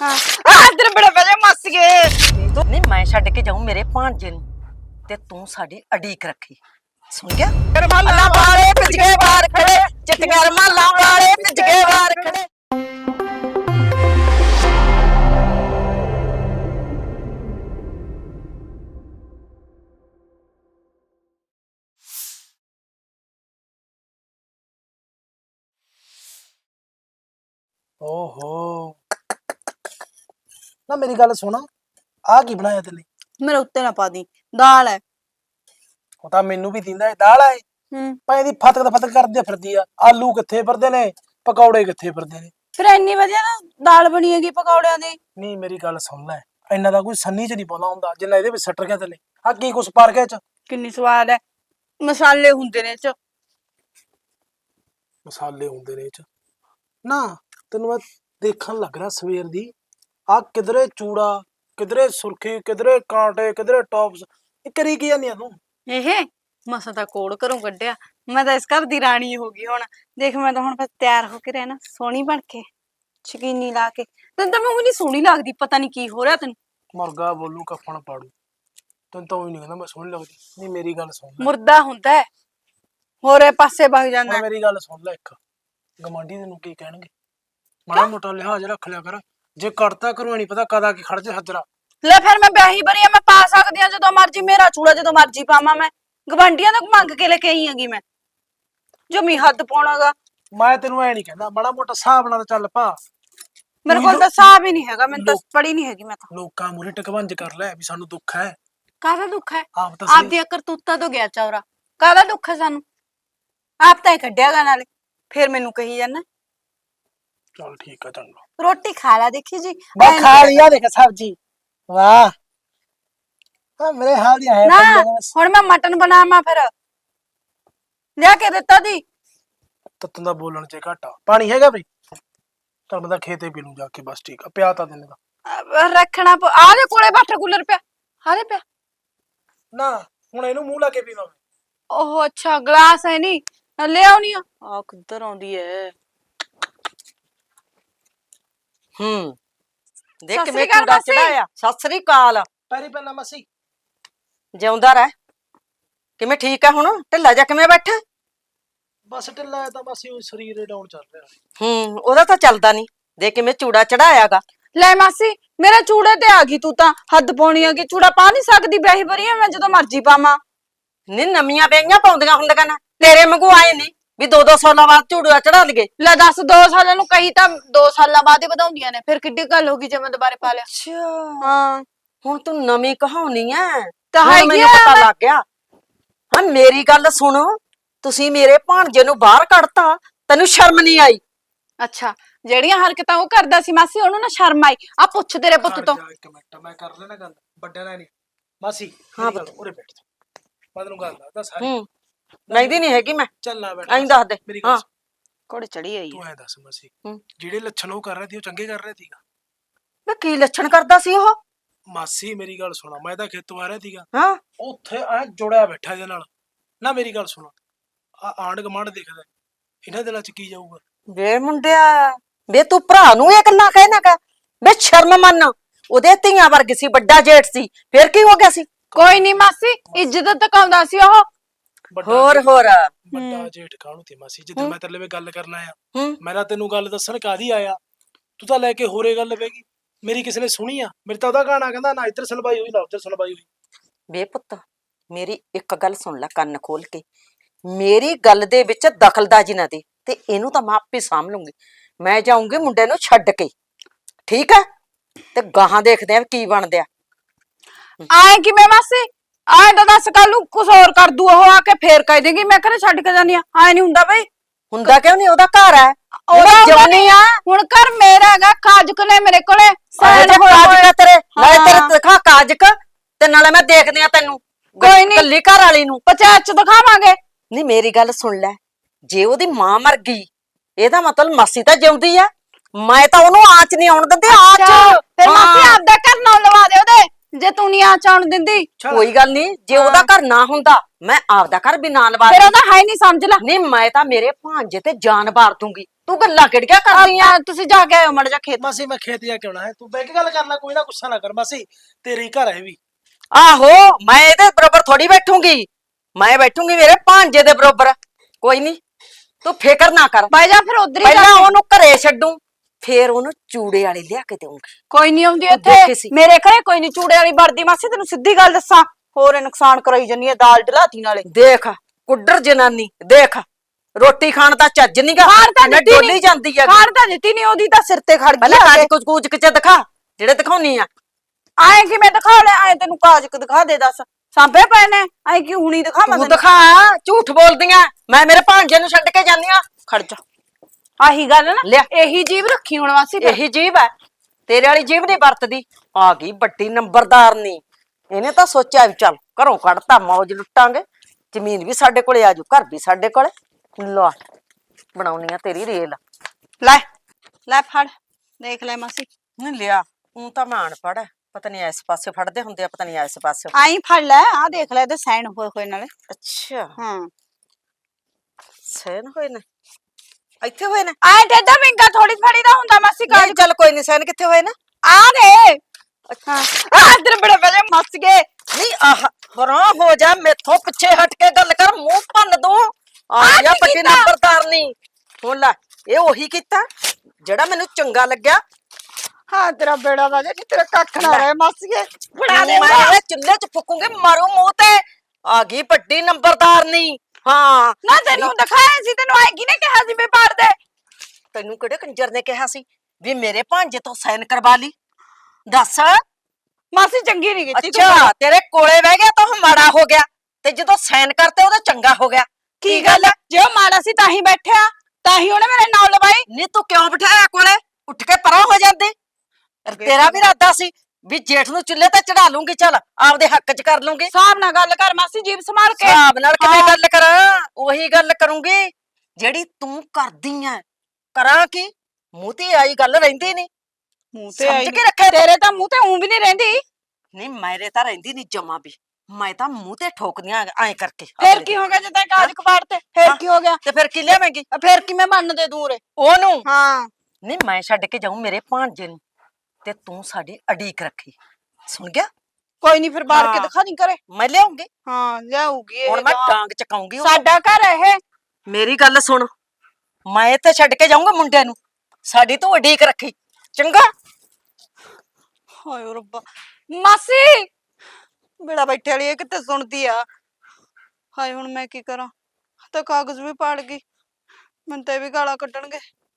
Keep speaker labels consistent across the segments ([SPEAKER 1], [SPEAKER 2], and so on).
[SPEAKER 1] ਹਾਂ ਆ ਤੇਰੇ ਬੜੇ ਬੜੇ ਮਾਸੀਏ
[SPEAKER 2] ਨਹੀਂ ਮੈਂ ਛੱਡ ਕੇ ਜਾਊਂ ਮੇਰੇ ਭਾਂਜੇ ਨੂੰ ਤੇ ਤੂੰ ਸਾਡੀ ਅਡੀਕ ਰੱਖੀ ਸੁਣ ਗਿਆ
[SPEAKER 1] ਰਮਾਲਾ ਵਾਲੇ ਭਿੱਜ ਗਏ ਬਾਹਰ ਖੜੇ ਚਿੱਟੀਆਂ ਰਮਾਲਾ ਵਾਲੇ ਭਿੱਜ ਗਏ ਬਾਹਰ ਖੜੇ
[SPEAKER 3] ਓਹੋ ਨਾ ਮੇਰੀ ਗੱਲ ਸੁਣ ਆ ਕੀ ਬਣਾਇਆ ਤੈਨੇ
[SPEAKER 1] ਮੇਰੇ ਉੱਤੇ ਨਾ ਪਾ ਦੀ ਦਾਲ ਹੈ
[SPEAKER 3] ਉਹ ਤਾਂ ਮੈਨੂੰ ਵੀ ਦਿੰਦਾ ਦਾਲ ਆਏ ਭਾਵੇਂ ਦੀ ਫਤਕ ਕਰਦੇ ਫਿਰਦੀ ਆ ਆਲੂ ਕਿੱਥੇ ਫਿਰਦੇ ਨੇ ਪਕੌੜੇ ਕਿੱਥੇ ਫਿਰਦੇ ਨੇ
[SPEAKER 1] ਫਿਰ ਇੰਨੀ ਵਧੀਆ ਨਾ ਦਾਲ ਬਣੀ ਹੈਗੀ ਪਕੌੜਿਆਂ ਦੀ
[SPEAKER 3] ਨਹੀਂ ਮੇਰੀ ਗੱਲ ਸੁਣ ਲੈ ਇੰਨਾ ਦਾ ਕੋਈ ਸੰਨੀ ਚ ਨਹੀਂ ਪਾਉਂਦਾ ਹੁੰਦਾ ਜਿੰਨਾ ਇਹਦੇ ਵਿੱਚ ਸੱਟ ਗਿਆ ਤੈਨੇ ਆ ਕੀ ਕੁਛ ਪਾਰ ਗਿਆ ਚ
[SPEAKER 1] ਕਿੰਨੀ ਸਵਾਦ ਹੈ ਮਸਾਲੇ ਹੁੰਦੇ ਨੇ ਇਹ ਚ
[SPEAKER 3] ਮਸਾਲੇ ਹੁੰਦੇ ਨੇ ਇਹ ਚ ਨਾ ਤੈਨੂੰ ਮੈਂ ਦੇਖਣ ਲੱਗ ਰਿਹਾ ਸਵੇਰ ਦੀ ਆ ਕਿਧਰੇ ਚੂੜਾ ਕਿਧਰੇ ਸੁਰਖੀ ਕਿਧਰੇ ਕਾਂਟੇ ਕਿਧਰੇ ਟੌਪਸ ਇਹ ਕਰੀ ਕੀ ਜਾਂਦੀ ਆ ਤੂੰ
[SPEAKER 1] ਇਹ ਮਸਾ ਤਾਂ ਕੋੜ ਘਰੋਂ ਕੱਢਿਆ ਮੈਂ ਤਾਂ ਇਸ ਘਰ ਦੀ ਰਾਣੀ ਹੋ ਗਈ ਹੁਣ ਦੇਖ ਮੈਂ ਤਾਂ ਹੁਣ ਬਸ ਤਿਆਰ ਹੋ ਕੇ ਰਹਿਣਾ ਸੋਹਣੀ ਬਣ ਕੇ ਸ਼ਕੀਨੀ ਲਾ ਕੇ ਤੈਨੂੰ ਤਾਂ ਮੈਂ ਉਹ ਨਹੀਂ ਸੋਹਣੀ ਲੱਗਦੀ ਪਤਾ ਨਹੀਂ ਕੀ ਹੋ ਰਿਹਾ ਤੈਨੂੰ
[SPEAKER 3] ਮੁਰਗਾ ਬੋਲੂ ਕਫਣ ਪਾੜੂ ਤੈਨੂੰ ਤਾਂ ਉਹੀ ਨਹੀਂ ਕਹਿੰਦਾ ਮੈਂ ਸੋਹਣੀ ਲੱਗਦੀ ਨਹੀਂ ਮੇਰੀ ਗੱਲ ਸੁਣ ਲੈ
[SPEAKER 1] ਮੁਰਦਾ ਹੁੰਦਾ ਹੈ ਹੋਰੇ ਪਾਸੇ ਵਗ ਜਾਂਦਾ
[SPEAKER 3] ਹੁਣ ਮੇਰੀ ਗੱਲ ਸੁਣ ਲੈ ਇੱਕ ਗਮਾਂਡੀ ਤੈਨੂੰ ਕੀ ਕਹਿਣਗੇ ਮਾੜਾ ਮੋਟਾ ਲਿਹਾਜ਼ ਰੱਖ ਲਿਆ ਕਰ ਜੇ ਕਰਤਾ ਕਰੋ ਨਹੀਂ ਪਤਾ ਕਦਾ ਕੀ ਖੜ ਜਾ ਹਜਰਾ
[SPEAKER 1] ਲੈ ਫਿਰ ਮੈਂ ਵਿਆਹੀ ਬਰੀ ਆ ਮੈਂ ਪਾ ਸਕਦੀ ਆ ਜਦੋਂ ਮਰਜੀ ਮੇਰਾ ਚੂੜਾ ਜਦੋਂ ਮਰਜੀ ਪਾਵਾਂ ਮੈਂ ਗਵਾਂਢੀਆਂ ਤੋਂ ਮੰਗ ਕੇ ਲੈ ਕੇ ਆਈ ਹੈਗੀ ਮੈਂ ਜਮੀ ਹੱਦ ਪਾਉਣਾਗਾ
[SPEAKER 3] ਮੈਂ ਤੈਨੂੰ ਐ ਨਹੀਂ ਕਹਿੰਦਾ ਮਾੜਾ ਮੋਟਾ ਹਿਸਾਬ ਨਾਲ ਚੱਲ ਪਾ
[SPEAKER 1] ਮੇਰੇ ਕੋਲ ਤਾਂ ਹਿਸਾਬ ਹੀ ਨਹੀਂ ਹੈਗਾ ਮੈਨੂੰ ਤਾਂ ਪੜੀ ਨਹੀਂ ਹੈਗੀ ਮੈਂ ਤਾਂ
[SPEAKER 3] ਲੋਕਾਂ ਮੂਰੇ ਟਕਵੰਜ ਕਰ ਲੈ ਵੀ ਸਾਨੂੰ ਦੁੱਖ ਹੈ
[SPEAKER 1] ਕਾਹਦਾ ਦੁੱਖ ਹੈ
[SPEAKER 3] ਆਪ ਤਾਂ ਸਹੀ
[SPEAKER 1] ਆਪਦੀਆਂ ਕਰਤੂਤਾਂ ਤੋਂ ਗਿਆ ਚੌਰਾ ਕਾਹਦਾ ਦੁੱਖ ਹੈ ਸਾਨੂੰ ਆਪ ਤਾਂ ਹੀ ਕੱਢਿਆਗਾ ਨਾਲੇ ਫਿਰ ਮੈਨੂੰ ਕਹੀ ਜਾਂਦਾ
[SPEAKER 3] ਚੱਲ ਠੀਕ ਆ ਚੰਗਾ
[SPEAKER 1] ਰੋਟੀ ਖਾ ਲਾ ਦੇਖੀ ਜੀ
[SPEAKER 3] ਮੈਂ ਖਾ ਲਿਆ ਦੇਖ ਸਬਜੀ ਵਾਹ ਹਾਂ ਮੇਰੇ ਹਾਲ ਦੀ ਹੈ
[SPEAKER 1] ਨਾ ਹੁਣ ਮੈਂ ਮਟਨ ਬਣਾਵਾਂ ਫਿਰ ਲਿਆ ਕੇ ਦਿੱਤਾ ਦੀ
[SPEAKER 3] ਤੱਤੋਂ ਦਾ ਬੋਲਣ ਚ ਘਾਟਾ ਪਾਣੀ ਹੈਗਾ ਬਈ ਚੱਲ ਮੈਂ ਤਾਂ ਖੇਤੇ ਪੀ ਲੂੰ ਜਾ ਕੇ ਬਸ ਠੀਕ ਆ ਪਿਆ ਤਾਂ ਦਿਨ ਦਾ
[SPEAKER 1] ਰੱਖਣਾ ਆਦੇ ਕੋਲੇ ਵਾਟਰ ਕੂਲਰ ਪਿਆ ਹਾਰੇ ਪਿਆ
[SPEAKER 3] ਨਾ ਹੁਣ ਇਹਨੂੰ ਮੂੰਹ ਲਾ ਕੇ ਪੀਵਾਂ
[SPEAKER 1] ਉਹ ਅੱਛਾ ਗਲਾਸ ਹੈ ਨਹੀਂ ਲੈ ਆਉਣੀ ਆ ਕਿੱਧਰ ਆਉਂਦੀ ਐ
[SPEAKER 2] ਦੇਖ
[SPEAKER 1] ਸਤਿ
[SPEAKER 2] ਕਿਵੇਂ
[SPEAKER 1] ਸ੍ਰੀ ਅਕਾਲ
[SPEAKER 2] ਚੂੜਾ
[SPEAKER 1] ਮਾਸੀ।
[SPEAKER 2] ਚੜਾਇਆ ਸਤਿ ਸ੍ਰੀ ਅਕਾਲ
[SPEAKER 3] ਪੈਰੀ ਪੈਣਾ ਮਸੀ
[SPEAKER 2] ਜਿਉਂਦਾ ਰਹਿ ਕਿਵੇਂ ਠੀਕ ਆ ਹੁਣ ਢਿੱਲਾ ਜਾ ਕਿਵੇਂ ਬੈਠਾ
[SPEAKER 3] ਬਸ ਢਿੱਲਾ ਤਾਂ ਬਸ ਉਹ ਸਰੀਰ ਡਾਊਨ ਚੱਲ ਰਿਹਾ
[SPEAKER 2] ਉਹਦਾ ਤਾਂ ਚੱਲਦਾ ਨਹੀਂ ਦੇਖ ਕਿਵੇਂ ਚੂੜਾ ਚੜਾਇਆਗਾ
[SPEAKER 1] ਲੈ ਮਾਸੀ ਮੇਰੇ ਚੂੜੇ ਤੇ ਆ ਗਈ ਤੂੰ ਤਾਂ ਹੱਦ ਪਾਉਣੀ ਆ ਕਿ ਚੂੜਾ ਪਾ ਨਹੀਂ ਸਕਦੀ ਵਿਆਹੀ ਬਰੀ ਆ ਮੈਂ ਜਦੋਂ ਮਰਜੀ ਪਾਵਾਂ
[SPEAKER 2] ਨੀ ਨਵੀਆਂ ਵਿਆਹੀਆਂ ਪਾਉਂਦੀਆਂ ਹੁੰਦੀਆਂ ਨਾ ਤੇਰੇ ਵਾਂਗੂ ਆਏ ਨਹੀਂ ਵੀ 2-2 ਸਾਲਾਂ ਬਾਅਦ ਚੂੜਾ ਚੜਾ ਲਈਏ
[SPEAKER 1] ਲੈ ਦੱਸ 2 ਸਾਲਾਂ ਨੂੰ ਕਹੀ ਤਾਂ 2 ਸਾਲਾਂ ਬਾਅਦ ਹੀ ਵਧਾਉਂਦੀਆਂ ਨੇ ਫਿਰ ਕਿੱਡੀ ਗੱਲ ਹੋ ਗਈ ਜੇ ਮੈਂ ਦੁਬਾਰੇ ਪਾ ਲਿਆ
[SPEAKER 2] ਅੱਛਾ
[SPEAKER 1] ਹਾਂ
[SPEAKER 2] ਹੁਣ ਤੂੰ ਨਵੀਂ ਕਹਾਉਣੀ ਐ
[SPEAKER 1] ਤਾਂ
[SPEAKER 2] ਹੁਣ
[SPEAKER 1] ਹੈਗੀ
[SPEAKER 2] ਮੈਨੂੰ
[SPEAKER 1] ਆ
[SPEAKER 2] ਪਤਾ
[SPEAKER 1] ਮੈਂ।
[SPEAKER 2] ਲੱਗ ਗਿਆ ਹਾਂ ਮੇਰੀ ਗੱਲ ਸੁਣੋ ਤੁਸੀਂ ਮੇਰੇ ਭਾਣਜੇ ਨੂੰ ਬਾਹਰ ਕੱਢਤਾ ਤੈਨੂੰ ਸ਼ਰਮ ਨਹੀਂ ਆਈ
[SPEAKER 1] ਅੱਛਾ ਜਿਹੜੀਆਂ ਹਰਕਤਾਂ ਉਹ ਕਰਦਾ ਸੀ ਮਾਸੀ ਉਹਨੂੰ ਨਾ ਸ਼ਰਮ ਆਈ ਆ ਪੁੱਛ ਤੇਰੇ ਪੁੱਤ ਤੋਂ
[SPEAKER 3] ਇੱਕ ਮਿੰਟ ਮੈਂ ਕਰ ਲੈਣਾ ਗੱਲ ਵੱਡਿਆਂ ਨਾਲ ਨਹੀਂ ਮਾਸੀ
[SPEAKER 2] ਹਾਂ
[SPEAKER 3] ਗੱਲ ਉਰੇ ਬੈਠ ਜਾ ਮੈਂ ਤੈਨੂੰ ਗੱਲ ਦੱਸਦਾ ਸਾਰੀ
[SPEAKER 2] ਨਹੀਂ ਦੀ ਨਹੀਂ ਹੈਗੀ ਮੈਂ
[SPEAKER 3] ਚੱਲ ਨਾ ਬੈਠ
[SPEAKER 2] ਐਂ ਦੱਸ ਦੇ
[SPEAKER 3] ਮੇਰੀ
[SPEAKER 2] ਹਾਂ
[SPEAKER 3] ਗੱਲ
[SPEAKER 1] ਕੋੜੇ ਚੜੀ ਆਈ
[SPEAKER 3] ਤੂੰ ਐ ਦੱਸ ਮਸੀ ਜਿਹੜੇ ਲੱਛਣ ਉਹ ਕਰ ਰਿਹਾ ਸੀ ਉਹ ਚੰਗੇ ਕਰ ਰਿਹਾ ਸੀਗਾ
[SPEAKER 2] ਵੇ ਕੀ ਲੱਛਣ ਕਰਦਾ ਸੀ ਉਹ
[SPEAKER 3] ਮਾਸੀ ਮੇਰੀ ਗੱਲ ਸੁਣਾ ਮੈਂ ਤਾਂ ਖੇਤੋਂ ਆ ਰਿਹਾ ਸੀਗਾ
[SPEAKER 2] ਹਾਂ
[SPEAKER 3] ਉੱਥੇ ਐ ਜੁੜਿਆ ਬੈਠਾ ਇਹਦੇ ਨਾਲ ਨਾ ਮੇਰੀ ਗੱਲ ਸੁਣ ਆ ਆਂਡ ਗਮਾਂਡ ਦੇਖਦਾ ਇਹਨਾਂ ਦਿਲਾਂ ਚ ਕੀ ਜਾਊਗਾ
[SPEAKER 2] ਵੇ ਮੁੰਡਿਆ ਵੇ ਤੂੰ ਭਰਾ ਨੂੰ ਇਹ ਗੱਲਾਂ ਕਹਿਣਾਗਾ ਵੇ ਸ਼ਰਮ ਮੰਨ ਉਹਦੇ ਧੀਆਂ ਵਰਗੀ ਸੀ ਵੱਡਾ ਜੇਠ ਸੀ ਫਿਰ ਕੀ ਹੋ ਗਿਆ ਸੀ
[SPEAKER 1] ਕੋਈ ਨਹੀਂ ਮਾਸੀ ਇੱਜ਼ਤ ਤਕਾਉਂਦਾ ਸੀ ਉਹ
[SPEAKER 2] ਹੋਰ
[SPEAKER 3] ਵੱਡਾ ਜੇਠ ਕਾਹਨੂੰ ਤੇ ਮਾਸੀ ਜਿੱਦਾਂ ਮੈਂ ਤੇਰੇ ਲਈ ਗੱਲ ਕਰਨ ਆਇਆ ਮੈਂ ਤਾਂ ਤੈਨੂੰ ਗੱਲ ਦੱਸਣ ਕਾਦੀ ਆਇਆ ਤੂੰ ਤਾਂ ਲੈ ਕੇ ਹੋਰੇ ਗੱਲ ਪਏਗੀ ਮੇਰੀ ਕਿਸੇ ਨੇ ਸੁਣੀ ਆ ਮੇਰੇ ਤਾਂ ਉਹਦਾ ਗਾਣਾ ਕਹਿੰਦਾ ਨਾ ਇੱਧਰ ਸੁਣਵਾਈ ਹੋਈ ਨਾ ਉੱਧਰ ਸੁਣਵਾਈ ਹੋਈ
[SPEAKER 2] ਵੇ ਪੁੱਤ ਮੇਰੀ ਇੱਕ ਗੱਲ ਸੁਣ ਲੈ ਕੰਨ ਖੋਲ ਕੇ ਮੇਰੀ ਗੱਲ ਦੇ ਵਿੱਚ ਦਖਲਅੰਦਾਜ਼ੀ ਨਾ ਦੇ ਤੇ ਇਹਨੂੰ ਤਾਂ ਮੈਂ ਆਪੇ ਸਾਂਭ ਲੂੰਗੀ ਮੈਂ ਜਾਊਂਗੀ ਮੁੰਡੇ ਨੂੰ ਛੱਡ ਕੇ ਠੀਕ ਹੈ ਤੇ ਗਾਹਾਂ ਦੇਖਦੇ ਆ ਕੀ ਬਣਦੇ ਆ
[SPEAKER 1] ਆਏ ਕਿਵੇਂ ਮਾਸੀ ਆਏ ਤਾਂ ਦੱਸ ਕੱਲ ਨੂੰ ਕੁਛ ਹੋਰ ਕਰ ਦੂ ਉਹ ਆ ਕੇ ਫੇਰ ਕਹਿ ਦੇਗੀ ਮੈਂ ਘਰੇ ਛੱਡ ਕੇ ਜਾਨੀ ਆ ਆਏ ਨਹੀਂ ਹੁੰਦਾ ਬਈ
[SPEAKER 2] ਹੁੰਦਾ ਕਿਉਂ ਨਹੀਂ ਉਹਦਾ ਘਰ ਹੈ
[SPEAKER 1] ਉਹਦਾ
[SPEAKER 2] ਜਮਨੀ ਆ
[SPEAKER 1] ਹੁਣ ਘਰ ਮੇਰਾ ਹੈਗਾ ਕਾਜਕ ਨੇ ਮੇਰੇ ਕੋਲੇ
[SPEAKER 2] ਕਾਜਕ ਤੇਰੇ ਨਾਲੇ ਤੇਰੇ ਦਿਖਾ ਕਾਜਕ ਤੇ ਨਾਲੇ ਮੈਂ ਦੇਖਦੇ ਆ ਤੈਨੂੰ
[SPEAKER 1] ਕੋਈ ਨੀ
[SPEAKER 2] ਕੱਲੀ ਘਰ ਵਾਲੀ ਨੂੰ
[SPEAKER 1] ਪੰਚਾਇਤ ਚ ਦਿਖਾਵਾਂਗੇ
[SPEAKER 2] ਨਹੀਂ ਮੇਰੀ ਗੱਲ ਸੁਣ ਲੈ ਜੇ ਉਹਦੀ ਮਾਂ ਮਰ ਗਈ ਇਹਦਾ ਮਤਲਬ ਮਾਸੀ ਤਾਂ ਜਿਉਂਦੀ ਆ ਮੈਂ ਤਾਂ ਉਹਨੂੰ ਆਂਚ ਨਹੀਂ ਆਉਣ ਦਿੰਦੀ ਆਂਚ
[SPEAKER 1] ਫਿਰ ਮਾਸੀ ਆਪਦਾ ਘਰ ਨਾ ਲਵਾ ਦੇ ਉਹਦੇ ਜੇ ਤੂੰ ਨਹੀਂ ਆਂਚ ਆਉਣ ਦਿੰਦੀ
[SPEAKER 2] ਕੋਈ ਗੱਲ ਨਹੀਂ ਜੇ ਉਹਦਾ ਘਰ ਨਾ ਹੁੰਦਾ ਮੈਂ ਆਪਦਾ ਘਰ ਵੀ ਨਾ ਲਵਾ
[SPEAKER 1] ਫਿਰ ਉਹਦਾ ਹੈ ਨਹੀਂ ਸਮਝ ਲੈ
[SPEAKER 2] ਨਹੀਂ ਮੈਂ ਤਾਂ ਮੇਰੇ ਭਾਂਜੇ ਤੇ ਜਾਨ ਵਾਰ ਦੂੰਗੀ ਤੂੰ ਗੱਲਾਂ ਕਿਹੜੀਆਂ ਕਰਦੀ ਆ?
[SPEAKER 1] ਤੁਸੀਂ ਜਾ ਕੇ ਆਇਓ ਮੜ ਜਾ ਖੇਤ।
[SPEAKER 3] ਮਾਸੀ ਮੈਂ ਖੇਤ ਜਾ ਕੇ ਆਉਣਾ ਹੈ, ਤੂੰ ਬਹਿ ਕੇ ਗੱਲ ਕਰ ਲੈ, ਕੋਈ ਨਾ ਗੁੱਸਾ ਨਾ ਕਰ ਮਾਸੀ, ਤੇਰੇ ਹੀ ਘਰ ਹੈ ਇਹ ਵੀ।
[SPEAKER 2] ਆਹੋ ਮੈਂ ਇਹਦੇ ਬਰਾਬਰ ਥੋੜੀ ਬੈਠੂੰਗੀ, ਮੈਂ ਬੈਠੂੰਗੀ ਮੇਰੇ ਭਾਂਜੇ ਦੇ ਬਰਾਬਰ। ਕੋਈ ਨਹੀਂ ਤੂੰ ਫਿਕਰ ਨਾ ਕਰ,
[SPEAKER 1] ਬਾਈ ਜਾ ਫਿਰ ਉਧਰ ਹੀ
[SPEAKER 2] ਪਹਿਲਾਂ
[SPEAKER 1] ਜਾ ਕੇ।
[SPEAKER 2] ਉਹਨੂੰ ਘਰੇ ਛੱਡੂ, ਫੇਰ ਉਹਨੂੰ ਚੂੜੇ ਵਾਲੇ ਲਿਆ ਕੇ ਦੇਵਾਂਗੀ।
[SPEAKER 1] ਕੋਈ ਨਹੀਂ ਆਉਂਦੀ
[SPEAKER 2] ਤੂੰ ਦੇਖੀ
[SPEAKER 1] ਇੱਥੇ
[SPEAKER 2] ਸੀ।
[SPEAKER 1] ਮੇਰੇ ਘਰੇ, ਕੋਈ ਨਹੀਂ ਚੂੜੇ ਵਾਲੀ ਵਰਦੀ। ਮਾਸੀ ਤੈਨੂੰ ਸਿੱਧੀ ਗੱਲ ਦੱਸਾਂ, ਹੋਰ ਇਹ ਨੁਕਸਾਨ ਕਰਾਈ ਜੰਨੀ ਹੈ ਦਾਲ ਢਲਾਤੀ ਨਾਲੇ।
[SPEAKER 2] ਦੇਖ ਕੁੱਡਰ ਜਨਾਨੀ, ਦੇਖ ਰੋਟੀ ਖਾਣ ਦਾ ਚੱਜ ਨਹੀਂਗਾ,
[SPEAKER 1] ਖਾਣ ਤਾਂ
[SPEAKER 2] ਮੈਂ
[SPEAKER 1] ਦਿੱਤੀ
[SPEAKER 2] ਡੋਲੀ
[SPEAKER 1] ਨੀ।
[SPEAKER 2] ਜਾਂਦੀ ਹੈ।
[SPEAKER 1] ਖਾਣ ਤਾਂ ਦਿੱਤੀ ਨਹੀਂ, ਉਹਦੀ ਤਾਂ ਸਿਰ ਤੇ ਖੜ
[SPEAKER 2] ਪਹਿਲਾਂ
[SPEAKER 1] ਗਈ
[SPEAKER 2] ਕਾਜ ਕੁਝ ਕੂਚ ਕਿਚ ਦਿਖਾ ਜਿਹੜੇ ਦਿਖਾਉਣੀ ਆ।
[SPEAKER 1] ਆਏ ਕਿਵੇਂ ਦਿਖਾ ਲੈ, ਆਏ ਤੈਨੂੰ ਕਾਜਕ ਦਿਖਾ ਦੇ ਦੱਸ, ਸਾਂਭੇ ਪਏ ਨੇ ਆਏ ਕਿ ਹੁਣੀ ਦਿਖਾਵਾਂ
[SPEAKER 2] ਤੂੰ
[SPEAKER 1] ਤੈਨੂੰ?
[SPEAKER 2] ਦਿਖਾ, ਝੂਠ ਬੋਲਦੀਆਂ, ਮੈਂ ਮੇਰੇ ਭਾਂਜੇ ਨੂੰ ਛੱਡ ਕੇ ਜਾਂਦੀ ਆ।
[SPEAKER 1] ਖੜ ਜਾ, ਆਹੀ ਗੱਲ ਨਾ,
[SPEAKER 2] ਲਿਆ।
[SPEAKER 1] ਇਹੀ ਜੀਬ ਰੱਖੀ ਹੁਣ ਮਾਸੀ ਫਿਰ।
[SPEAKER 2] ਇਹੀ ਜੀਬ ਹੈ, ਤੇਰੇ ਵਾਲੀ ਜੀਬ ਨਹੀਂ ਵਰਤਦੀ। ਆ ਗਈ ਵੱਡੀ ਨੰਬਰਦਾਰ ਨੀ, ਇਹਨੇ ਤਾਂ ਸੋਚਿਆ ਵੀ ਚੱਲ ਘਰੋਂ ਕੱਢਤਾ ਮੌਜ ਲੁੱਟਾਂਗੇ, ਜ਼ਮੀਨ ਵੀ ਸਾਡੇ ਕੋਲੇ ਆਜੂ, ਘਰ ਵੀ ਸਾਡੇ ਕੋਲੇ। ਲਾ ਬਣਾਉਣੀ ਆ ਤੇਰੀ ਰੇਲ।
[SPEAKER 1] ਲੈ ਲੈ ਫੜ, ਦੇਖ ਲੈ ਮਾਸੀ,
[SPEAKER 2] ਨਹੀਂ ਲਿਆ, ਉਹ ਤਾਂ ਮੈਂ ਅਨਪੜ੍ਹ ਹੈ, ਪਤਾ ਨਹੀਂ ਇਸ ਪਾਸੇ ਫੜਦੇ ਹੁੰਦੇ ਆ, ਪਤਾ ਨਹੀਂ ਇਸ ਪਾਸੇ।
[SPEAKER 1] ਆਈ ਫੜ ਲੈ, ਆ ਦੇਖ ਲੈ ਇਹਦੇ ਸਾਈਨ ਹੋਏ ਹੋਏ ਨਾਲੇ।
[SPEAKER 2] ਅੱਛਾ
[SPEAKER 1] ਹਾਂ
[SPEAKER 2] ਸੈਨ ਹੋਏ ਨੇ, ਇੱਥੇ ਹੋਏ ਨੇ।
[SPEAKER 1] ਆਏ ਟੇਡਾ ਵਿੰਗਾ ਥੋੜੀ ਫੜੀ ਦਾ ਹੁੰਦਾ ਮਾਸੀ ਕਾਜ।
[SPEAKER 2] ਨਹੀਂ ਚੱਲ ਕੋਈ ਨਹੀਂ, ਸੈਨ ਕਿੱਥੇ ਹੋਏ ਨੇ?
[SPEAKER 1] ਆ ਦੇ, ਹਾਂ ਆ ਇਧਰ ਬੜੇ ਬੜੇ ਮੱਸ ਗਏ।
[SPEAKER 2] ਨਹੀਂ ਆਹ ਹਰਾਂ ਹੋ ਜਾ, ਮੈਥੋਂ ਪਿੱਛੇ ਹਟ ਕੇ ਗੱਲ ਕਰ, ਮੂੰਹ ਭੰਨ ਦੂੰ। ਆ ਜਾ
[SPEAKER 1] ਕੀ
[SPEAKER 2] ਵੱਡੀ
[SPEAKER 1] ਕੀਤਾ?
[SPEAKER 2] ਨੰਬਰਦਾਰ ਨਹੀਂ। ਹੁਣ ਲੈ ਇਹ ਉਹੀ ਕੀਤਾ ਜਿਹੜਾ ਮੈਨੂੰ ਚੰਗਾ ਲੱਗਿਆ।
[SPEAKER 1] ਹਾਂ ਤੇਰਾ ਬੇੜਾ ਦਾ ਜੇ ਤੇਰਾ ਕੱਖ ਨਾ ਰਹੇ ਮਾਸੀਏ, ਫੜਾ ਦੇ
[SPEAKER 2] ਮੈਂ ਚੁੱਲ੍ਹੇ 'ਚ ਫੁੱਕੂਗੀ, ਮਾਰੂ ਮੂੰਹ ਤੇ। ਆ ਗਈ ਵੱਡੀ ਨੰਬਰਦਾਰ ਨਹੀਂ। ਹਾਂ
[SPEAKER 1] ਨਾ ਤੈਨੂੰ ਦਿਖਾਇਆ ਸੀ, ਤੈਨੂੰ ਆਏਗੀ ਨੇ ਕਿਹਾ ਸੀ ਵੀ ਪਾੜ ਦੇ।
[SPEAKER 2] ਤੈਨੂੰ ਕਿਹੜੇ ਕੰਜਰ ਨੇ ਕਿਹਾ ਸੀ ਵੀ ਮੇਰੇ ਭਾਂਜੇ ਤੋਂ ਸਾਈਨ ਕਰਵਾ ਲਈ? ਦੱਸ।
[SPEAKER 1] ਮਾਸੀ ਚੰਗੀ ਨਹੀਂ ਕੀਤੀ ਤੂੰ।
[SPEAKER 2] ਅੱਛਾ ਤੇਰੇ ਕੋਲੇ ਬਹਿ ਗਿਆ ਤਾਂ ਉਹ ਮਾੜਾ ਹੋ ਗਿਆ, ਤੇ ਜਦੋਂ ਸਾਈਨ ਕਰਤੇ ਉਹਦਾ ਚੰਗਾ ਹੋ ਗਿਆ।
[SPEAKER 1] ਕੀ ਗੱਲ, ਜੇ ਉਹ ਮਾੜਾ ਸੀ ਤਾਂ ਹੀ ਬੈਠਿਆ, ਤਾਂ ਹੀ ਉਹਨੇ ਮੇਰੇ ਨਾਲ ਲਵਾਈ।
[SPEAKER 2] ਨਹੀਂ ਤੂੰ ਕਿਉਂ ਬਿਠਾਇਆ ਕੋਲੇ? ਉੱਠ ਕੇ ਪਰਾਂ ਹੋ ਜਾਂਦੇ। ਤੇਰਾ ਵੀ ਇਰਾਦਾ ਸੀ ਵੀ ਜੇਠ ਨੂੰ ਚੁੱਲ੍ਹੇ ਤੇ ਚੜਾ ਲੂੰਗੀ, ਚੱਲ ਆਪਦੇ ਹੱਕ 'ਚ ਕਰ ਲੂੰਗੀ।
[SPEAKER 1] ਹਿਸਾਬ ਨਾਲ ਗੱਲ ਕਰ ਮਾਸੀ, ਜੀਬ ਸੰਭਾਲ ਕੇ।
[SPEAKER 2] ਹਿਸਾਬ ਨਾਲ ਕਿਵੇਂ ਗੱਲ ਕਰਾਂ? ਉਹੀ ਗੱਲ ਕਰੂੰਗੀ ਜਿਹੜੀ ਤੂੰ ਕਰਦੀ ਐ। ਕਰਾਂ ਕੀ? ਮੂੰਹ ਤੇ ਆਈ ਗੱਲ ਰਹਿੰਦੀ ਨਹੀਂ,
[SPEAKER 1] ਮੂੰਹ ਤੇ
[SPEAKER 2] ਸਮਝ
[SPEAKER 1] ਆਈ
[SPEAKER 2] ਕੇ ਰੱਖਿਆ।
[SPEAKER 1] ਤੇਰੇ ਤਾਂ ਮੂੰਹ ਤੇ ਊਂ ਵੀ ਨਹੀਂ ਰਹਿੰਦੀ।
[SPEAKER 2] ਨਹੀਂ ਮੇਰੇ ਤਾਂ ਰਹਿੰਦੀ ਨਹੀਂ ਜਮਾ ਵੀ, ਮੈਂ ਤਾਂ ਮੂੰਹ ਤੇ ਠੋਕਦੀਆਂ ਐਂ ਕਰਕੇ।
[SPEAKER 1] ਫੇਰ ਕੀ ਹੋ ਗਿਆ ਜੇ ਤੈਂ ਕਾਜ ਕਪਾੜ ਤੇ? ਫੇਰ ਕੀ ਹੋ ਗਿਆ?
[SPEAKER 2] ਤੇ ਫਿਰ ਕੀ ਲਿਆਵੇਂਗੀ
[SPEAKER 1] ਫੇਰ ਕਿਵੇਂ ਮੰਨ ਦੇ ਦੂਰੇ
[SPEAKER 2] ਉਹਨੂੰ?
[SPEAKER 1] ਹਾਂ
[SPEAKER 2] ਨਹੀਂ ਮੈਂ ਛੱਡ ਕੇ ਜਾਊਂ ਮੇਰੇ ਭਾਂਜੇ ਨੂੰ, ਤੇ ਤੂੰ ਸਾਡੀ ਅਡੀਕ ਰੱਖੀ, ਸੁਣ ਗਿਆ?
[SPEAKER 1] ਕੋਈ ਨਹੀਂ, ਫਿਰ ਬਾਹਰ ਕੇ
[SPEAKER 2] ਹਾਂ।
[SPEAKER 1] ਦਿਖਾ ਨਹੀਂ ਕਰੇ।
[SPEAKER 2] ਮੈਂ ਲਿਆਉਂਗੀ,
[SPEAKER 1] ਹਾਂ ਲਿਆਊਗੀ ਇਹ
[SPEAKER 2] ਹੁਣ ਮੈਂ
[SPEAKER 1] ਤਾਂ।
[SPEAKER 2] ਡਾਂਗ ਚਕਾਉਂਗੀ ਉਹਨੂੰ।
[SPEAKER 1] ਸਾਡਾ ਘਰ ਹੈ ਇਹ।
[SPEAKER 2] ਮੇਰੀ ਗੱਲ ਸੁਣ, ਮੈਂ ਇੱਥੇ ਛੱਡ ਕੇ ਜਾਊਂਗਾ ਮੁੰਡੇ ਨੂੰ, ਸਾਡੀ ਤੂੰ ਅਡੀਕ ਰੱਖੀ, ਚੰਗਾ?
[SPEAKER 1] ਹਾਏ ਓ ਰੱਬਾ, ਮਾਸੀ ਬੇੜਾ ਬੈਠੇ ਵਾਲੀ ਇਹ ਕਿੱਥੇ ਸੁਣਦੀ ਆ। ਹਾਏ ਹੁਣ ਮੈਂ ਕੀ ਕਰਾਂ, ਤਾਂ ਕਾਗਜ਼ ਵੀ ਪਾੜ ਗਈ, ਮੈਨੂੰ ਤਾਂ ਇਹ ਵੀ ਗਾਲਾਂ ਕੱਢਣਗੇ।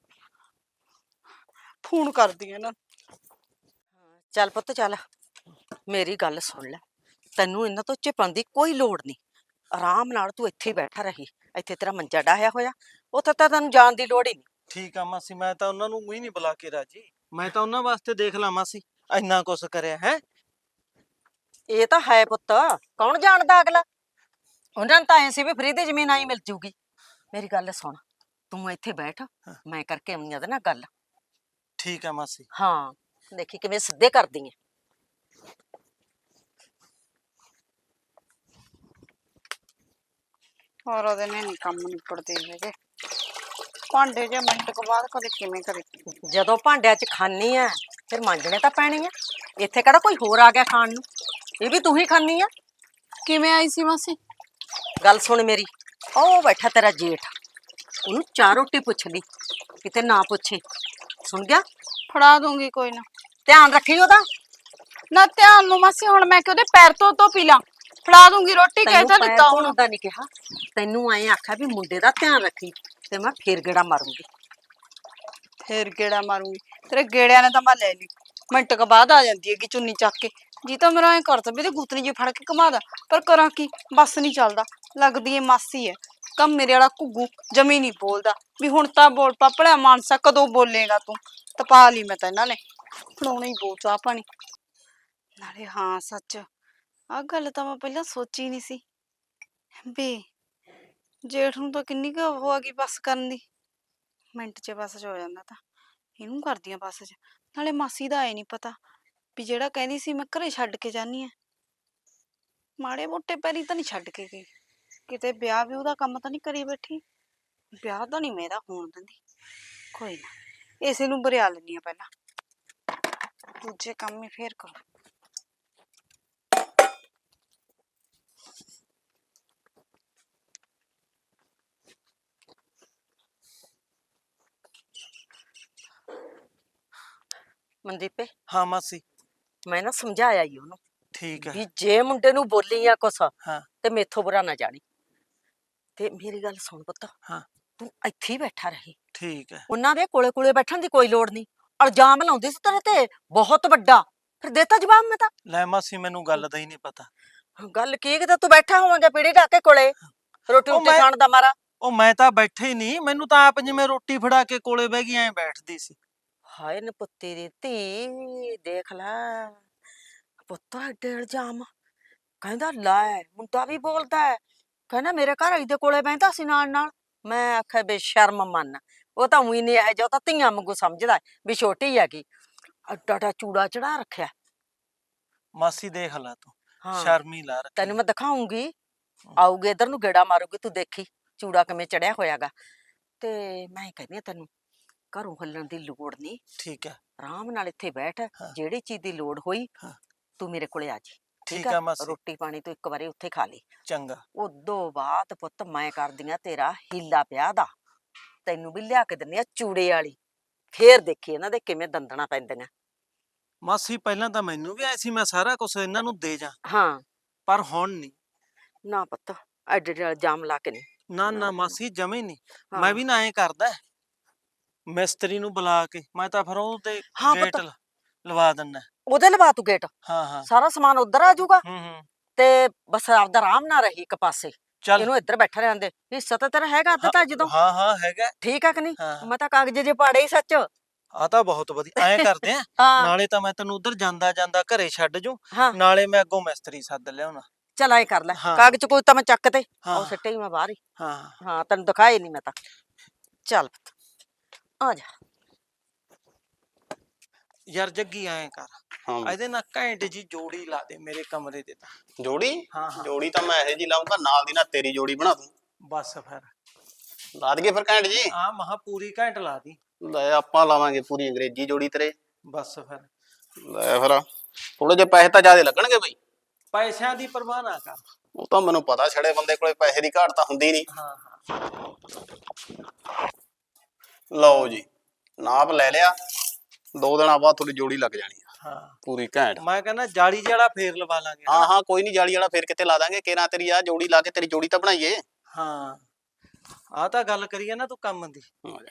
[SPEAKER 1] ਫੋਨ ਕਰਦੀ ਆ ਇਹਨਾਂ ਨੂੰ।
[SPEAKER 2] ਚੱਲ ਪੁੱਤ ਚੱਲ, ਮੇਰੀ ਗੱਲ ਸੁਣ ਲੈ, ਤੈਨੂੰ ਇਹਨਾਂ ਤੋਂ ਝਿਪਣ ਦੀ ਕੋਈ ਲੋੜ ਨਹੀਂ। ਆਰਾਮ ਨਾਲ ਤੂੰ ਇੱਥੇ ਹੀ ਬੈਠਾ ਰਹੀ, ਇੱਥੇ ਤੇਰਾ ਮੰਜਾ ਡਾਹਿਆ ਹੋਇਆ, ਉੱਥੇ ਤਾਂ ਤੈਨੂੰ ਜਾਣ ਦੀ ਲੋੜ ਹੀ ਨਹੀਂ।
[SPEAKER 4] ਠੀਕ ਆ ਮਾਸੀ, ਮੈਂ ਤਾਂ ਉਹਨਾਂ ਨੂੰ ਹੀ ਨਹੀਂ ਬੁਲਾ ਕੇ ਰਾਜੀ, ਮੈਂ ਤਾਂ ਉਹਨਾਂ ਵਾਸਤੇ ਦੇਖ ਲਾ ਮਾਸੀ, ਇੰਨਾ ਕੁਛ ਕਰਿਆ ਹੈ।
[SPEAKER 2] ਇਹ ਤਾਂ ਹੈ ਪੁੱਤ, ਕੌਣ ਜਾਣਦਾ ਅਗਲਾ, ਉਹਨਾਂ ਨੂੰ ਤਾਂ ਐ ਸੀ ਵੀ ਫਰੀ ਦੀ ਜ਼ਮੀਨ ਆਈ ਮਿਲ ਜੂਗੀ। ਮੇਰੀ ਗੱਲ ਸੁਣ, ਤੂੰ ਇੱਥੇ ਬੈਠ, ਮੈਂ ਕਰਕੇ ਆਉਂਦੀ ਆ ਉਹਦੇ ਨਾਲ ਗੱਲ।
[SPEAKER 4] ਠੀਕ ਆ ਮਾਸੀ।
[SPEAKER 2] ਹਾਂ ਦੇਖੀ ਕਿਵੇਂ ਸਿੱਧੇ ਕਰਦੀ ਐ।
[SPEAKER 1] ਹੋਰ ਉਹਦੇ ਨੇ ਨਹੀਂ ਕੰਮ ਨਿਪੜਦੇ ਹੈਗੇ, ਭਾਂਡੇ ਜੇ ਮਿੰਟ ਕੁ ਬਾਅਦ ਕਦੇ ਕਿਵੇਂ ਕਰੇ।
[SPEAKER 2] ਜਦੋਂ ਭਾਂਡਿਆਂ 'ਚ ਖਾਨੀ ਆ ਫਿਰ ਮਾਂਜਣੇ ਤਾਂ ਪੈਣੇ ਆ, ਇੱਥੇ ਕਿਹੜਾ ਕੋਈ ਹੋਰ ਆ ਗਿਆ ਖਾਣ ਨੂੰ, ਇਹ ਵੀ ਤੂੰ ਹੀ ਖਾਨੀ ਆ।
[SPEAKER 1] ਕਿਵੇਂ ਆਈ ਸੀ ਮਾਸੀ?
[SPEAKER 2] ਗੱਲ ਸੁਣ ਮੇਰੀ, ਉਹ ਬੈਠਾ ਤੇਰਾ ਜੇਠ, ਉਹਨੂੰ ਚਾਰ ਰੋਟੀ ਪੁੱਛ ਲਈ, ਕਿਤੇ ਨਾ ਪੁੱਛੇ, ਸੁਣ ਗਿਆ?
[SPEAKER 1] ਫੜਾ ਦੂੰਗੀ ਕੋਈ ਨਾ।
[SPEAKER 2] ਧਿਆਨ ਰੱਖੀ ਉਹਦਾ।
[SPEAKER 1] ਨਾ ਧਿਆਨ ਨੂੰ ਮਾਸੀ, ਹੁਣ ਮੈਂ ਕਿ ਉਹਦੇ ਪੈਰ ਤੋਂ ਪੀ ਲਾਂ, ਫੜਾ ਦੂੰਗੀ ਰੋਟੀ, ਕਹਿ ਤਾਂ ਦਿੱਤਾ ਹੁਣ।
[SPEAKER 2] ਦਾ ਨਹੀਂ ਕਿਹਾ, ਤੈਨੂੰ ਐਂ ਆਖਿਆ ਵੀ ਮੁੰਡੇ ਦਾ ਧਿਆਨ ਰੱਖੀ, ਤੇ ਮੈਂ ਫੇਰ ਗੇੜਾ ਮਾਰੂੰਗੀ।
[SPEAKER 1] ਫੇਰ ਗੇੜਾ ਮਾਰੂੰਗੀ, ਤੇਰੇ ਗੇੜਿਆਂ ਨੇ ਤਾਂ ਮੈਂ ਲੈ ਲਈ, ਮਿੰਟ ਕ ਬਾਅਦ ਆ ਜਾਂਦੀ ਹੈਗੀ ਚੁੰਨੀ ਚੱਕ ਕੇ। ਜੀ ਤਾਂ ਮੇਰਾ ਐ ਕਰਦਾ ਵੀ ਤੇ ਗੁੱਤਨੀ ਜੀ ਫੜ ਕੇ ਘੁਮਾ ਦਾਂ, ਪਰ ਕਰਾਂ ਕੀ, ਬੱਸ ਨਹੀਂ ਚੱਲਦਾ। ਲੱਗਦੀ ਏ ਮਾਸੀ ਐ, ਕੰਮ ਮੇਰੇ ਵਾਲਾ ਘੁੱਗੂ ਜਮੀ ਨਹੀਂ ਬੋਲਦਾ, ਵੀ ਹੁਣ ਤਾਂ ਬੋਲ ਪਾਪੜਾ ਮਾਨਸਾ, ਕਦੋਂ ਬੋਲੇਗਾ ਤੂੰ? ਤਪਾ ਲਈ ਮੈਂ ਤਾਂ ਇਹਨਾਂ ਨੇ, ਫੜਾਉਣਾ ਹੀ ਬੋਲ ਚਾਹ ਪਾਣੀ ਨਾਲੇ। ਹਾਂ ਸੱਚ, ਆਹ ਗੱਲ ਤਾਂ ਮੈਂ ਪਹਿਲਾਂ ਸੋਚੀ ਨਹੀਂ ਸੀ ਵੀ ਜੇਠ ਨੂੰ ਤਾਂ ਕਿੰਨੀ ਕੁ ਉਹ ਆ ਗਈ ਬੱਸ ਕਰਨ ਦੀ, ਮਿੰਟ 'ਚ ਬੱਸ 'ਚ ਹੋ ਜਾਂਦਾ, ਤਾਂ ਇਹਨੂੰ ਕਰਦੀ ਆ ਬੱਸ 'ਚ। ਨਾਲੇ ਮਾਸੀ ਦਾ ਆਏ ਨਹੀਂ ਪਤਾ ਵੀ ਜਿਹੜਾ ਕਹਿੰਦੀ ਸੀ ਮੈਂ ਘਰੇ ਛੱਡ ਕੇ ਜਾਨੀ ਆ, ਮਾੜੇ ਮੋਟੇ ਪੈਰੀ ਤਾਂ ਨਹੀਂ ਛੱਡ ਕੇ ਗਈ, ਕਿਤੇ ਵਿਆਹ ਵੀ ਉਹਦਾ ਕੰਮ ਤਾਂ ਨਹੀਂ ਕਰੀ ਬੈਠੀ, ਵਿਆਹ ਤਾਂ ਨਹੀਂ ਮੇਰਾ ਹੋਣ ਦਿੰਦੀ। ਕੋਈ ਨਾ, ਇਸੇ ਨੂੰ ਬਰਿਆ ਲੈਣੀ ਆ ਪਹਿਲਾਂ, ਦੂਜੇ ਕੰਮ ਹੀ ਫੇਰ ਕਰੋ।
[SPEAKER 2] ਮਨਦੀਪੇ,
[SPEAKER 4] ਹਾਂ ਮਾਸੀ।
[SPEAKER 2] ਮੈਂ ਨਾ ਸਮਝਾਇਆ ਹੀ ਉਹਨੂੰ
[SPEAKER 4] ਠੀਕ ਹੈ।
[SPEAKER 2] ਵੀ ਜੇ ਮੁੰਡੇ ਨੂੰ ਬੋਲੀ ਆ ਕੁਛ
[SPEAKER 4] ਹਾਂ
[SPEAKER 2] ਤੇ ਮੇਥੋਂ ਬੁਰਾ ਨਾ ਜਾਣੀ। ਤੇ ਮੇਰੀ ਗੱਲ ਸੁਣ ਪੁੱਤ,
[SPEAKER 4] ਹਾਂ
[SPEAKER 2] ਤੂੰ ਇੱਥੇ ਹੀ ਬੈਠਾ ਰਹੀ,
[SPEAKER 4] ਠੀਕ ਹੈ।
[SPEAKER 2] ਉਹਨਾਂ ਦੇ ਕੋਲੇ ਕੋਲੇ ਬੈਠਣ ਦੀ ਕੋਈ ਲੋੜ ਨਹੀਂ। ਇਲਜ਼ਾਮ ਲਾਉਂਦੀ ਸੀ ਤੇਰੇ ਤੇ ਬਹੁਤ ਵੱਡਾ, ਫਿਰ ਦੇਤਾ ਜਵਾਬ ਮੈਂ ਤਾਂ।
[SPEAKER 4] ਲੈ ਮਾਸੀ ਮੈਨੂੰ ਗੱਲ ਦਾ ਹੀ ਨਹੀਂ ਪਤਾ।
[SPEAKER 2] ਗੱਲ ਕੀ ਕਿਤੇ ਤੂੰ ਬੈਠਾ ਹੋਵਾਂਗਾ ਪੀੜੀ ਢਾਕੇ ਕੋਲੇ ਰੋਟੀ
[SPEAKER 4] ਉਹ
[SPEAKER 2] ਰੋਟੀ
[SPEAKER 4] ਮੈਂ-
[SPEAKER 2] ਖਾਣ ਦਾ ਮਾਰਾ।
[SPEAKER 4] ਉਹ ਮੈਂ ਤਾਂ ਬੈਠੇ ਹੀ ਨਹੀਂ, ਮੈਨੂੰ ਤਾਂ ਆਪ ਜਿਵੇਂ ਰੋਟੀ ਫੜਾ ਕੇ ਕੋਲੇ ਬਹਿ ਗਈ ਐ ਬੈਠਦੀ ਸੀ।
[SPEAKER 2] ਹਾਏ ਨਪੁੱਤੀ ਦੀ ਧੀ, ਦੇਖ ਲੈ ਪੁੱਤ ਐਡੇ ਇਲਜ਼ਾਮ। ਕਹਿੰਦਾ ਲੈ ਮੁੰਡਾ ਵੀ ਬੋਲਦਾ ਹੈ, ਕਹਿੰਦਾ ਮੇਰੇ ਘਰ ਵਾਲੀ ਦੇ ਕੋਲੇ ਬਹਿੰਦਾ ਸੀ ਨਾਲ ਨਾਲ। ਮੈਂ ਆਖਿਆ ਬੇਸ਼ਰਮ ਮੰਨ, ਉਹ ਤਾਂ ਉਹੀ ਨਹੀਂ ਇਹ ਜੋ ਤਾਂ ਧੀਆਂ ਵਾਂਗੂ ਸਮਝਦਾ ਵੀ ਛੋਟੀ ਹੈਗੀ। ਅੱਡਾ ਅੱਡਾ ਚੂੜਾ ਚੜਾ ਰੱਖਿਆ।
[SPEAKER 4] ਮਾਸੀ ਦੇਖ ਲੈ ਤੂੰ,
[SPEAKER 2] ਹਾਂ
[SPEAKER 4] ਸ਼ਰਮੀ ਲਾ ਰੱਖੀ।
[SPEAKER 2] ਤੈਨੂੰ ਮੈਂ ਦਿਖਾਉਂਗੀ, ਆਊਗੀ ਇੱਧਰ ਨੂੰ ਗੇੜਾ ਮਾਰੂਗੀ, ਤੂੰ ਦੇਖੀ ਚੂੜਾ ਕਿਵੇਂ ਚੜਿਆ ਹੋਇਆਗਾ। ਤੇ ਮੈਂ ਕਹਿੰਦੀ ਆ ਤੈਨੂੰ ਘਰੋਂ ਹੱਲਣ ਦੀ ਲੋੜ ਨਹੀਂ,
[SPEAKER 4] ਠੀਕ ਹੈ।
[SPEAKER 2] ਆਰਾਮ ਨਾਲ ਇੱਥੇ ਬੈਠ,
[SPEAKER 4] ਹਾਂ।
[SPEAKER 2] ਜਿਹੜੀ ਚੀਜ਼ ਦੀ ਲੋੜ ਹੋਈ
[SPEAKER 4] ਹਾਂ।
[SPEAKER 2] ਤੂੰ ਮੇਰੇ ਕੋਲੇ ਆ ਜੀ।
[SPEAKER 4] ਠੀਕ ਹੈ ਮਾਸੀ।
[SPEAKER 2] ਰੋਟੀ ਪਾਣੀ ਤੂੰ ਇੱਕ ਵਾਰੀ ਉੱਥੇ ਖਾ ਲਈ।
[SPEAKER 4] ਚੰਗਾ।
[SPEAKER 2] ਉਦੋਂ ਬਾਅਦ ਪੁੱਤ ਮੈਂ ਕਰਦੀ ਆ ਤੇਰਾ ਹੀਲਾ ਵਿਆਹ ਦਾ, ਤੈਨੂੰ ਵੀ ਲਿਆ ਕੇ ਦਿੰਦੀ ਆ ਚੂੜੇ ਵਾਲੀ, ਫੇਰ ਦੇਖੀ ਇਹਨਾਂ ਦੇ ਕਿਵੇਂ ਦੰਦਣਾ ਪੈਂਦੀਆਂ।
[SPEAKER 4] ਮਾਸੀ ਪਹਿਲਾਂ ਤਾਂ ਮੈਨੂੰ ਵੀ ਐ ਸੀ ਮੈਂ ਸਾਰਾ ਕੁਝ ਇਹਨਾਂ ਨੂੰ ਦੇ ਜਾ,
[SPEAKER 2] ਹਾਂ
[SPEAKER 4] ਪਰ ਹੁਣ ਨਹੀਂ।
[SPEAKER 2] ਨਾ ਪੁੱਤ ਐਡੇ ਐਡੇ ਇਲਜ਼ਾਮ ਲਾ ਕੇ ਨਹੀਂ।
[SPEAKER 4] ਨਾ
[SPEAKER 2] ਨਾ,
[SPEAKER 4] ਨਾ ਮਾਸੀ ਜਮੇ ਨਹੀਂ।
[SPEAKER 2] ਹਾਂ।
[SPEAKER 4] ਮੈਂ ਵੀ ਨਾ ਐ ਕਰਦਾ, ਮਿਸਤਰੀ ਨੂੰ ਬੁਲਾ ਕੇ ਮੈਂ ਤਾਂ ਫਿਰ ਉਹਦੇ
[SPEAKER 2] ਹਾਂ
[SPEAKER 4] ਗੇਟ
[SPEAKER 2] ਪੁੱਤ।
[SPEAKER 4] ਲਵਾ ਦਿੰਨਾ।
[SPEAKER 2] ਉਹਦੇ ਲਵਾ ਤੂੰ ਗੇਟ,
[SPEAKER 4] ਹਾਂ ਹਾਂ।
[SPEAKER 2] ਸਾਰਾ ਸਮਾਨ ਉਧਰ ਆ ਜਾਊਗਾ
[SPEAKER 4] ਹੂੰ।
[SPEAKER 2] ਤੇ ਬਸ ਆਪਦਾ ਆਰਾਮ ਨਾਲ ਰਹੀ ਇੱਕ ਪਾਸੇ,
[SPEAKER 4] ਚੱਲ।
[SPEAKER 2] ਇਹਨੂੰ ਇੱਧਰ ਬੈਠਾ ਰਹਿਣ ਦੇ। ਹਿੱਸਾ ਤਾਂ ਤੇਰਾ ਹੈਗਾ ਅੱਧ ਤਾਂ ਜਦੋਂ,
[SPEAKER 4] ਹਾਂ ਹਾਂ ਹੈਗਾ।
[SPEAKER 2] ਠੀਕ ਆ ਕਿ ਨਹੀਂ?
[SPEAKER 4] ਹਾਂ।
[SPEAKER 2] ਮੈਂ ਤਾਂ ਕਾਗਜ਼ ਜੇ ਪਾੜੇ ਹੀ ਸੱਚ।
[SPEAKER 4] ਆ ਤਾਂ ਬਹੁਤ ਵਧੀਆ, ਐਂ ਕਰਦੇ ਆ।
[SPEAKER 2] ਹਾਂ
[SPEAKER 4] ਨਾਲੇ ਤਾਂ ਮੈਂ ਤੈਨੂੰ ਉਧਰ ਜਾਂਦਾ ਜਾਂਦਾ ਘਰੇ ਛੱਡ ਜੂ,
[SPEAKER 2] ਹਾਂ
[SPEAKER 4] ਨਾਲੇ ਮੈਂ ਅੱਗੋਂ ਮਿਸਤਰੀ ਸੱਦ ਲਿਆਉਣਾ।
[SPEAKER 2] ਚਲ ਐ ਕਰ ਲੈ,
[SPEAKER 4] ਹਾਂ।
[SPEAKER 2] ਕਾਗਜ਼ ਕੋਈ ਤਾਂ ਮੈਂ ਚੱਕ ਤੇ
[SPEAKER 4] ਹਾਂ।
[SPEAKER 2] ਉਹ ਸਿੱਟੇ ਹੀ ਮੈਂ ਬਾਹਰ ਹੀ।
[SPEAKER 4] ਹਾਂ
[SPEAKER 2] ਹਾਂ ਤੈਨੂੰ ਦਿਖਾਏ ਨਹੀਂ ਮੈਂ ਤਾਂ। ਚੱਲ ਪੁੱਤ ਆ ਜਾ।
[SPEAKER 4] ਯਾਰ ਜੱਗੀ ਐਂ ਕਰ,
[SPEAKER 5] ਹਾਂ
[SPEAKER 4] ਇਹਦੇ ਨਾਲ ਘੈਂਟ ਜੀ ਜੋੜੀ ਲਾ ਦੇ ਮੇਰੇ ਕਮਰੇ ਦੇ ਤਾਂ।
[SPEAKER 5] ਜੋੜੀ
[SPEAKER 4] ਹਾਂ ਹਾਂ
[SPEAKER 5] ਜੋੜੀ ਤਾਂ ਮੈਂ ਇਹੋ ਜੀ ਲਾਉਂਗਾ, ਨਾਲ ਦੀ ਨਾਲ ਤੇਰੀ ਜੋੜੀ ਬਣਾ ਦੂੰ।
[SPEAKER 4] ਬਸ ਫਿਰ
[SPEAKER 5] ਲਾ ਦਈਏ ਫਿਰ ਘੈਂਟ ਜੀ।
[SPEAKER 4] ਆ ਮਹਾ ਪੂਰੀ ਘੈਂਟ ਲਾ ਦੀ।
[SPEAKER 5] ਲੈ ਆਪਾਂ ਲਾਵਾਂਗੇ ਪੂਰੀ ਅੰਗਰੇਜ਼ੀ ਜੋੜੀ ਤੇਰੇ।
[SPEAKER 4] ਬਸ ਫਿਰ
[SPEAKER 5] ਲੈ ਫਿਰ ਥੋੜੇ ਜਿਹੇ ਪੈਸੇ ਤਾਂ ਜ਼ਿਆਦਾ ਲੱਗਣਗੇ ਬਈ।
[SPEAKER 4] ਪੈਸਿਆਂ ਦੀ ਪਰਵਾਹ ਨਾ ਕਰ।
[SPEAKER 5] ਉਹ ਤਾਂ ਮੈਨੂੰ ਪਤਾ, ਛੜੇ ਬੰਦੇ ਕੋਲੇ ਪੈਸੇ ਦੀ ਘਾਟ ਤਾਂ ਹੁੰਦੀ ਨਹੀਂ।
[SPEAKER 4] ਹਾਂ ਹਾਂ
[SPEAKER 5] ਲਓ ਜੀ ਨਾਪ ਲੈ ਲਿਆ, 2 ਦਿਨਾਂ ਬਾਅਦ ਤੁਹਾਡੀ ਜੋੜੀ ਲੱਗ ਜਾਣੀ ਆ
[SPEAKER 4] ਹਾਂ।
[SPEAKER 5] ਪੂਰੀ ਘੈਂਟ।
[SPEAKER 4] ਮੈਂ ਕਹਿੰਦਾ ਜਾਲੀ ਜਿਹੜਾ ਫੇਰ ਲਵਾ ਲਾਂਗੇ।
[SPEAKER 5] ਹਾਂ ਹਾਂ ਕੋਈ ਨਹੀਂ, ਜਾਲੀ ਵਾਲਾ ਫੇਰ ਕਿਤੇ ਲਾ ਦਾਂਗੇ। ਕੇਰਾਂ ਤੇਰੀ ਆ ਜੋੜੀ ਲਾ ਕੇ ਤੇਰੀ ਜੋੜੀ ਤਾਂ ਬਣਾਈਏ।
[SPEAKER 4] ਹਾਂ ਆ ਤਾਂ ਗੱਲ ਕਰੀਏ ਨਾ ਤੂੰ ਕੰਮ ਦੀ।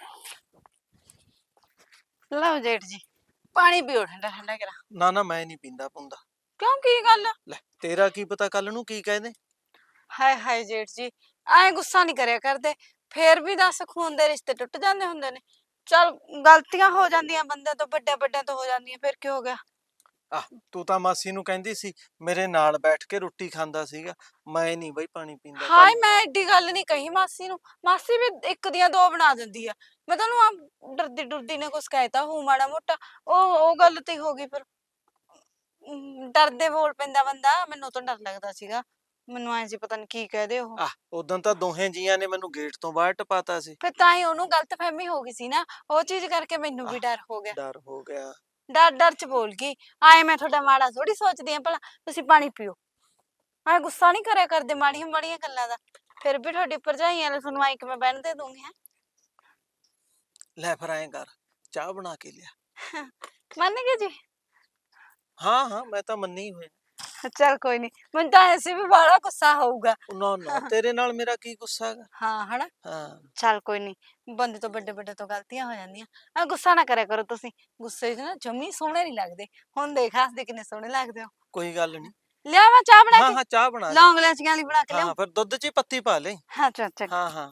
[SPEAKER 1] ਲਓ ਜੇਠ ਜੀ, ਪਾਣੀ ਪੀਓ ਠੰਡਾ ਠੰਡਾ ਕਰਾ।
[SPEAKER 4] ਨਾ ਨਾ ਮੈਂ ਨਹੀਂ ਪੀਂਦਾ ਪੁੰਦਾ।
[SPEAKER 1] ਕਿਉਂ ਕੀ ਗੱਲ?
[SPEAKER 4] ਲੈ ਤੇਰਾ ਕੀ ਪਤਾ ਕੱਲ ਨੂੰ ਕੀ ਕਹਿੰਦੇ।
[SPEAKER 1] ਹਾਏ ਹਾਏ ਜੇਠ ਜੀ, ਐ ਗੁੱਸਾ ਨਹੀਂ ਕਰਿਆ ਕਰਦੇ, ਫੇਰ ਵੀ ਦੱਸ ਖੂਨ ਦੇ ਰਿਸ਼ਤੇ ਟੁੱਟ ਜਾਂਦੇ ਹੁੰਦੇ ਨੇ। ਚਲ ਗਲਤੀਆਂ ਹੋ ਜਾਂਦੀਆਂ ਬੰਦੇ ਤੋਂ, ਵੱਡੇ ਵੱਡਿਆਂ ਤੋਂ ਹੋ ਜਾਂਦੀਆਂ, ਫਿਰ ਕੀ ਹੋ ਗਿਆ?
[SPEAKER 4] ਆਹ ਤੂੰ ਤਾਂ ਮਾਸੀ ਨੂੰ ਕਹਿੰਦੀ ਸੀ ਮੇਰੇ ਨਾਲ ਬੈਠ ਕੇ ਰੋਟੀ ਖਾਂਦਾ ਸੀਗਾ, ਮੈਂ ਨਹੀਂ ਬਈ ਪਾਣੀ ਪੀਂਦਾ।
[SPEAKER 1] ਹਾਏ ਮੈਂ ਐਡੀ ਗੱਲ ਨਹੀਂ ਕਹੀ ਮਾਸੀ ਨੂੰ, ਮਾਸੀ ਵੀ ਇੱਕ ਦੀਆਂ ਦੋ ਬਣਾ ਦਿੰਦੀ ਆ। ਮੈਂ ਤੁਹਾਨੂੰ ਆ ਡਰਦੀ ਡਰਦੀ ਨੇ ਕੁਛ ਕਹਿਤਾ ਹੂੰ ਮਾੜਾ ਮੋਟਾ, ਉਹ ਗੱਲ ਤੇ ਹੋ ਗਈ। ਫਿਰ ਡਰਦੇ ਬੋਲ ਪੈਂਦਾ ਬੰਦਾ, ਮੈਨੂੰ ਤਾਂ ਡਰ ਲੱਗਦਾ ਸੀਗਾ, ਮੈਨੂੰ ਐਂ ਸੀ ਪਤਾ ਨਹੀਂ ਕੀ ਕਹਦੇ ਉਹ।
[SPEAKER 4] ਆਹ ਉਦੋਂ ਤਾਂ ਦੋਹੇ ਜੀਆਂ ਨੇ ਮੈਨੂੰ ਗੇਟ ਤੋਂ ਬਾਹਰ ਟਪਾਤਾ ਸੀ।
[SPEAKER 1] ਫਿਰ ਤਾਂ ਹੀ ਉਹਨੂੰ ਗਲਤਫਹਿਮੀ ਹੋ ਗਈ ਸੀ ਨਾ, ਉਹ ਚੀਜ਼ ਕਰਕੇ ਮੈਨੂੰ ਵੀ ਡਰ ਹੋ ਗਿਆ।
[SPEAKER 4] ਡਰ ਹੋ ਗਿਆ।
[SPEAKER 1] ਡਰ ਡਰ ਚ ਬੋਲ ਗਈ। ਆਏ ਮੈਂ ਤੁਹਾਡਾ ਮਾੜਾ ਥੋੜੀ ਸੋਚਦੀ ਆ, ਭਲਾ ਤੁਸੀਂ ਪਾਣੀ ਪੀਓ। ਮੈਂ ਗੁੱਸਾ ਨਹੀਂ ਕਰਿਆ ਕਰਦੇ ਮਾੜੀਆਂ ਮਾੜੀਆਂ ਗੱਲਾਂ ਦਾ, ਫਿਰ ਵੀ ਤੁਹਾਡੀ ਭਰਜਾਈਆਂ ਨੇ ਤੁਹਾਨੂੰ ਆਈ ਕਿਵੇਂ ਬਹਿਣ ਦੇ ਦੂੰਗੀ। ਹੈ
[SPEAKER 4] ਲੈ ਫਿਰ ਐਂ ਕਰ, ਚਾਹ ਬਣਾ ਕੇ ਲਿਆ।
[SPEAKER 1] ਮੰਨ ਗਏ ਜੀ?
[SPEAKER 4] ਹਾਂ ਹਾਂ ਮੈਂ ਤਾਂ ਮੰਨੀ ਹੋਇਆ।
[SPEAKER 1] ਚਲ ਕੋਈ ਨਹੀਂ, ਮੈਨੂੰ ਤਾਂ ਐਸੇ ਵੀ ਬੜਾ ਗੁੱਸਾ ਹੋਊਗਾ।
[SPEAKER 4] ਨਾ ਨਾ ਤੇਰੇ ਨਾਲ ਮੇਰਾ ਕੀ ਗੁੱਸਾ ਹੈਗਾ।
[SPEAKER 1] ਹਾਂ ਹਨਾ।
[SPEAKER 4] ਹਾਂ
[SPEAKER 1] ਚਲ ਕੋਈ ਨਹੀਂ, ਬੰਦੇ ਤੋਂ ਵੱਡੇ ਵੱਡੇ ਤੋਂ ਗਲਤੀਆਂ ਹੋ ਜਾਂਦੀਆਂ। ਆ ਗੁੱਸਾ ਨਾ ਕਰਿਆ ਕਰੋ ਤੁਸੀਂ, ਗੁੱਸੇ 'ਚ ਨਾ ਜਮੀ ਸੋਹਣੇ ਨਹੀਂ ਲੱਗਦੇ। ਹੁਣ ਦੇਖ ਹੱਸਦੇ ਕਿੰਨੇ ਸੋਹਣੇ ਲੱਗਦੇ ਹੋ।
[SPEAKER 4] ਕੋਈ ਗੱਲ ਨਹੀਂ।
[SPEAKER 1] ਲਿਆ ਮੈਂ ਚਾਹ ਬਣਾ
[SPEAKER 4] ਹਾਂ
[SPEAKER 1] ਕੇ,
[SPEAKER 4] ਹਾਂ ਚਾਹ ਬਣਾ ਲੈ।
[SPEAKER 1] ਲੌਂਗ ਲੈਚੀਆਂ ਵਾਲੀ ਬਣਾ ਕੇ
[SPEAKER 4] ਹਾਂ
[SPEAKER 1] ਲਿਆਉਂ।
[SPEAKER 4] ਫਿਰ ਦੁੱਧ 'ਚ ਹੀ ਪੱਤੀ ਪਾ ਲੈ।
[SPEAKER 1] ਹਾਂ ਚੱਲ ਚੱਲ।
[SPEAKER 4] ਹਾਂ ਹਾਂ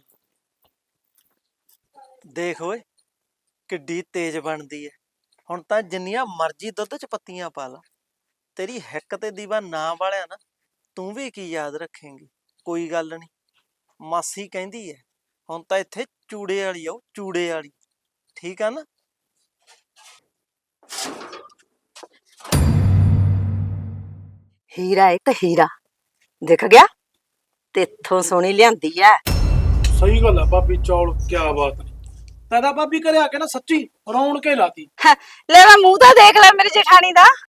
[SPEAKER 4] ਦੇਖ ਓਏ ਕਿੱਡੀ ਤੇਜ਼ ਬਣਦੀ ਹੈ। ਹੁਣ ਤਾਂ ਜਿੰਨੀਆਂ ਮਰਜ਼ੀ ਦੁੱਧ 'ਚ ਪੱਤੀਆਂ ਪਾ ਲਾ, ਤੇਰੀ ਹਿੱਕ ਤੇ ਦੀਵਾ ਨਾ ਵਾਲਿਆ ਨਾ, ਤੂੰ ਵੀ ਕੀ ਯਾਦ ਰੱਖੇਂਗੀ। ਕੋਈ ਗੱਲ ਨਹੀਂ, ਮਾਸੀ ਕਹਿੰਦੀ ਹੈ ਹੁਣ ਤਾਂ ਇੱਥੇ ਚੂੜੇ ਵਾਲੀ ਆਓ, ਚੂੜੇ ਵਾਲੀ। ਠੀਕ ਆ ਨਾ?
[SPEAKER 2] ਹੀਰਾ ਇੱਕ ਹੀਰਾ ਦਿਖ ਗਿਆ, ਤੇਥੋਂ ਸੋਹਣੀ ਲਿਆਂਦੀ ਐ।
[SPEAKER 3] ਸਹੀ ਗੱਲ ਆ ਭਾਬੀ, ਚੌਲ ਕਿਆ ਬਾਤ ਨੇ। ਤਦਾ ਭਾਬੀ ਘਰੇ ਆ ਕੇ ਨਾ ਸੱਚੀ ਰੌਣ ਕੇ ਲਾਤੀ।
[SPEAKER 1] ਲੈ ਮੈਂ ਮੂੰਹ ਤਾਂ ਦੇਖ ਲੈ ਮੇਰੇ ਜੇਠਾਣੀ ਦਾ।